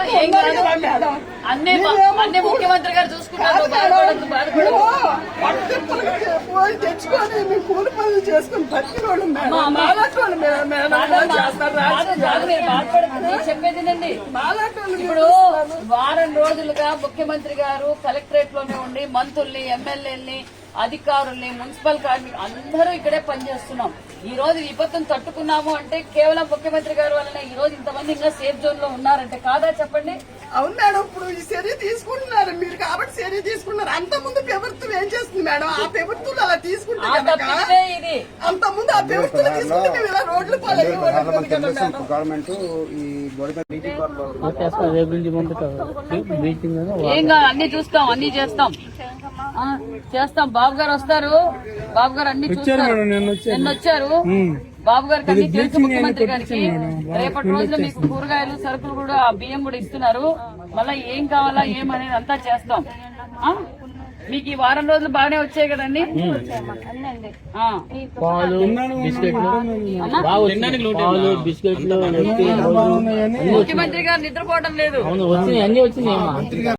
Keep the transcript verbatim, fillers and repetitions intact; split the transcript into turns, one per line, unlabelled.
ఏం కాదు అన్ని అన్ని ముఖ్యమంత్రి గారు చూసుకుంటారు బాధపడద్దు బాధపడదు
పోయి తెచ్చుకొని మేము కూలి పనులు చేసుకుని బతికిన వాళ్ళు మేడం మాలాంటి వాళ్ళు మేడం చేస్తారు
బాధపడుతుంది చెప్పేదినండి. ఇప్పుడు వారం రోజులుగా ముఖ్యమంత్రి గారు కలెక్టరేట్ లోనే ఉండి మంత్రుల్ని ఎమ్మెల్యేల్ని అధికారుల్ని మున్సిపల్ కార్మికులు అందరూ ఇక్కడే పనిచేస్తున్నాం. ఈ రోజు విపత్తును తట్టుకున్నాము అంటే కేవలం ముఖ్యమంత్రి గారు వలన ఈ రోజు ఇంతమంది ఇంకా సేఫ్ జోన్ లో ఉన్నారంటే కాదా చెప్పండి.
అవును మేడం, ఇప్పుడు ఈ చర్య తీసుకుంటున్నారు మీరు కాబట్టి చర్య తీసుకున్నారు. అంత ముందు ప్రభుత్వం ఏం చేస్తుంది మేడం? ఆ ప్రభుత్వం అలా తీసుకుంటే
ఇది
అంత ముందు ఆ ప్రభుత్వం తీసుకుంటే మేము ఇలా రోడ్లు
గవర్నమెంట్ ఈ
ఏం కాదు అన్ని చూస్తాం అన్ని చేస్తాం చేస్తాం. బాబు గారు వస్తారు, బాబు గారు అన్ని చూస్తారు. నిన్న వచ్చారు బాబు గారికి అన్ని తెలుసు ముఖ్యమంత్రి గారికి. రేపటి రోజున మీకు కూరగాయలు సరుకులు కూడా బియ్యం కూడా ఇస్తున్నారు. మళ్ళా ఏం కావాలా ఏమనేది అంతా చేస్తాం. మీకు ఈ వారం రోజులు బాగానే వచ్చాయి కదండి. ముఖ్యమంత్రి గారు నిద్రపోవడం లేదు.